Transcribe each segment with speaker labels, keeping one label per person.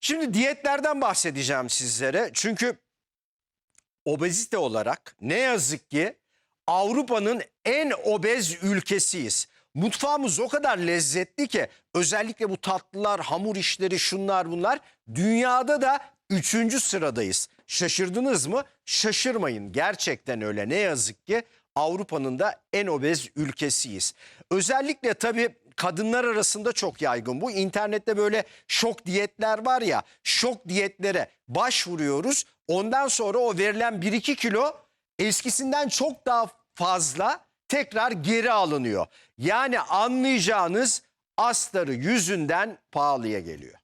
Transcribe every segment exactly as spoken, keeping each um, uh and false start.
Speaker 1: Şimdi diyetlerden bahsedeceğim sizlere. Çünkü obezite olarak ne yazık ki Avrupa'nın en obez ülkesiyiz. Mutfağımız o kadar lezzetli ki özellikle bu tatlılar, hamur işleri, şunlar bunlar, dünyada da üçüncü sıradayız. Şaşırdınız mı? Şaşırmayın, gerçekten öyle. Ne yazık ki Avrupa'nın da en obez ülkesiyiz. Özellikle tabii kadınlar arasında çok yaygın bu. İnternette böyle şok diyetler var ya, şok diyetlere başvuruyoruz. Ondan sonra o verilen bir iki kilo eskisinden çok daha fazla tekrar geri alınıyor. Yani anlayacağınız astarı yüzünden pahalıya geliyor.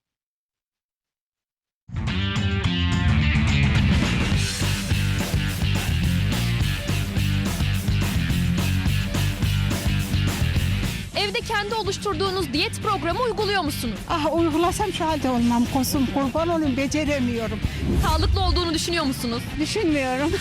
Speaker 2: Evde kendi oluşturduğunuz diyet programı uyguluyor musunuz?
Speaker 3: Ah uygulasam şu halde olmam kuzum, kurban olayım, beceremiyorum.
Speaker 2: Sağlıklı olduğunu düşünüyor musunuz?
Speaker 3: Düşünmüyorum.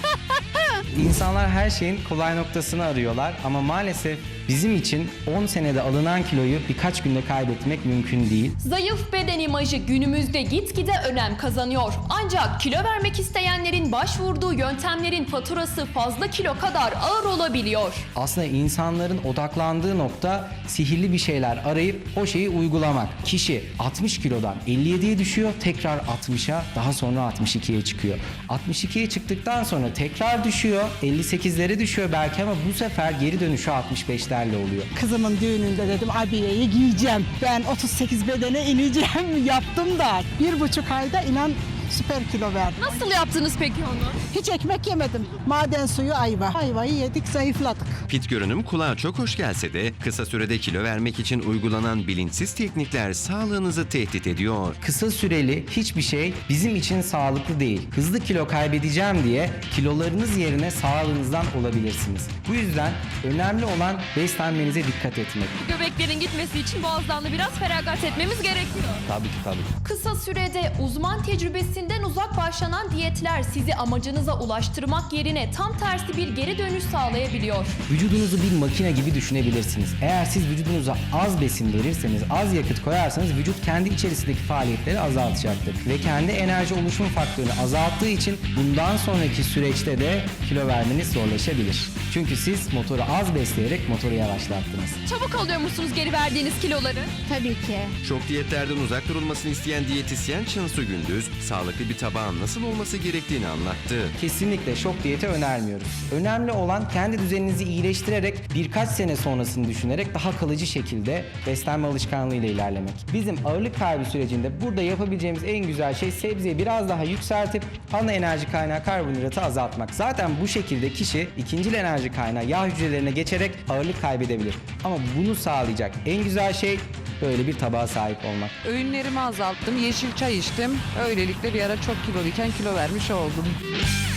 Speaker 4: İnsanlar her şeyin kolay noktasını arıyorlar ama maalesef bizim için on senede alınan kiloyu birkaç günde kaybetmek mümkün değil.
Speaker 2: Zayıf beden imajı günümüzde gitgide önem kazanıyor. Ancak kilo vermek isteyenlerin başvurduğu yöntemlerin faturası fazla kilo kadar ağır olabiliyor.
Speaker 4: Aslında insanların odaklandığı nokta sihirli bir şeyler arayıp o şeyi uygulamak. Kişi altmış kilodan elli yediye düşüyor, tekrar altmışa, daha sonra altmış ikiye çıkıyor. altmış ikiye çıktıktan sonra tekrar düşüyor, elli sekizlere düşüyor belki ama bu sefer geri dönüşü altmış beşlerle oluyor.
Speaker 3: Kızımın düğününde dedim abiyeyi giyeceğim. Ben otuz sekiz bedene ineceğim yaptım da bir buçuk ayda inan süper kilo verdim.
Speaker 2: Nasıl yaptınız peki onu?
Speaker 3: Hiç ekmek yemedim. Maden suyu ayva. Ayvayı yedik, zayıfladık.
Speaker 5: Fit görünüm kulağa çok hoş gelse de kısa sürede kilo vermek için uygulanan bilinçsiz teknikler sağlığınızı tehdit ediyor.
Speaker 4: Kısa süreli hiçbir şey bizim için sağlıklı değil. Hızlı kilo kaybedeceğim diye kilolarınız yerine sağlığınızdan olabilirsiniz. Bu yüzden önemli olan beslenmenize dikkat etmek.
Speaker 2: Göbeklerin gitmesi için boğazdan da biraz feragat etmemiz gerekiyor.
Speaker 4: Tabii ki tabii.
Speaker 2: Kısa sürede uzman tecrübesinden uzak başlanan diyetler sizi amacınıza ulaştırmak yerine tam tersi bir geri dönüş sağlayabiliyor.
Speaker 4: Vücudunuzu bir makine gibi düşünebilirsiniz. Eğer siz vücudunuza az besin verirseniz, az yakıt koyarsanız vücut kendi içerisindeki faaliyetleri azaltacaktır. Ve kendi enerji oluşum faktörünü azalttığı için bundan sonraki süreçte de kilo vermeniz zorlaşabilir. Çünkü siz motoru az besleyerek motoru yavaşlattınız.
Speaker 2: Çabuk alıyor musunuz geri verdiğiniz kiloları?
Speaker 3: Tabii ki.
Speaker 5: Şok diyetlerden uzak durulmasını isteyen diyetisyen Cansu Gündüz, sağlıklı bir tabağın nasıl olması gerektiğini anlattı.
Speaker 4: Kesinlikle şok diyeti önermiyoruz. Önemli olan kendi düzeninizi iyileştirerek birkaç sene sonrasını düşünerek daha kalıcı şekilde beslenme alışkanlığıyla ilerlemek. Bizim ağırlık kaybı sürecinde burada yapabileceğimiz en güzel şey sebzeyi biraz daha yükseltip ana enerji kaynağı karbonhidratı azaltmak. Zaten bu şekilde kişi ikincil enerji kaynağı yağ hücrelerine geçerek ağırlık kaybedebilir. Ama bunu sağlayacak en güzel şey böyle bir tabağa sahip olmak.
Speaker 6: Öğünlerimi azalttım, yeşil çay içtim. Öylelikle bir ara çok kiloluyken kilo vermiş oldum.